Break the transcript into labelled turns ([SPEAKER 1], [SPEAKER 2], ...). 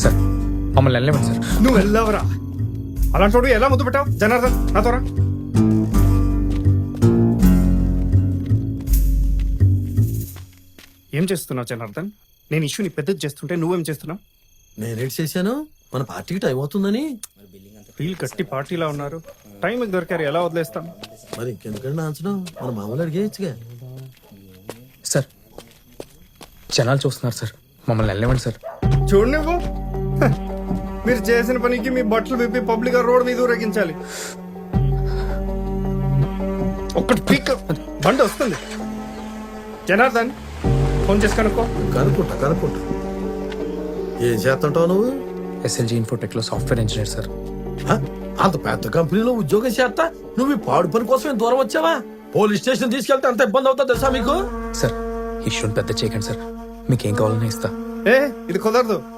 [SPEAKER 1] Sir మమ్మల్ని వెళ్ళలేమండి sir.
[SPEAKER 2] నువ్వు వెళ్ళవరా? అలాంటి వాడు ఎలా ముద్దు పెట్టావు? జనార్దన్ నాతోరా. ఏం చేస్తున్నావు జనార్దన్? నేను ఇష్యూని పెద్దది చేస్తుంటే నువ్వేం చేస్తున్నావు?
[SPEAKER 3] నేనేట్ చేశాను, మన పార్టీకి టైం అవుతుందని.
[SPEAKER 2] వీళ్ళు కట్టి పార్టీలా ఉన్నారు, టైంకి దొరికారు, ఎలా వదిలేస్తాం?
[SPEAKER 3] మరి ఇంకెందుకంటే నాంచడం, మన మామూలు అడిగేయచ్చుగా.
[SPEAKER 1] సార్ జనాలు చూస్తున్నారు సార్, మమ్మల్ని వెళ్ళలేమండి సార్.
[SPEAKER 2] చూడు నువ్వు, మీరు చేసిన పనికి మీ బట్టలు విప్పి పబ్లిక్ గా రోడ్ మీద ఊరేగించాలి. ఒక్కటి పీక్ బండి వస్తుంది. జనార్దన్ ఫోన్ చేసి కనుక్కో.
[SPEAKER 3] కనుక్కుంటా. ఏం చేస్తుంటావు నువ్వు?
[SPEAKER 1] ఎస్ఎల్జీ ఇన్ఫోటెక్ లో సాఫ్ట్వేర్ ఇంజనీర్ సార్.
[SPEAKER 3] హ? అంత పెద్ద కంపెనీలో ఉద్యోగం చేస్తా నువ్వు ఈ పాడు పని కోసం దూరం వచ్చావా? పోలీస్ స్టేషన్ తీసుకెళ్తే అంత ఇబ్బంది అవుతా తెలుసా మీకు?
[SPEAKER 1] సార్ ఇష్యూని పెద్ద చేయకండి సార్, మీకేం కావాలన్నా ఇస్తా.
[SPEAKER 2] ఇది కుదరదు.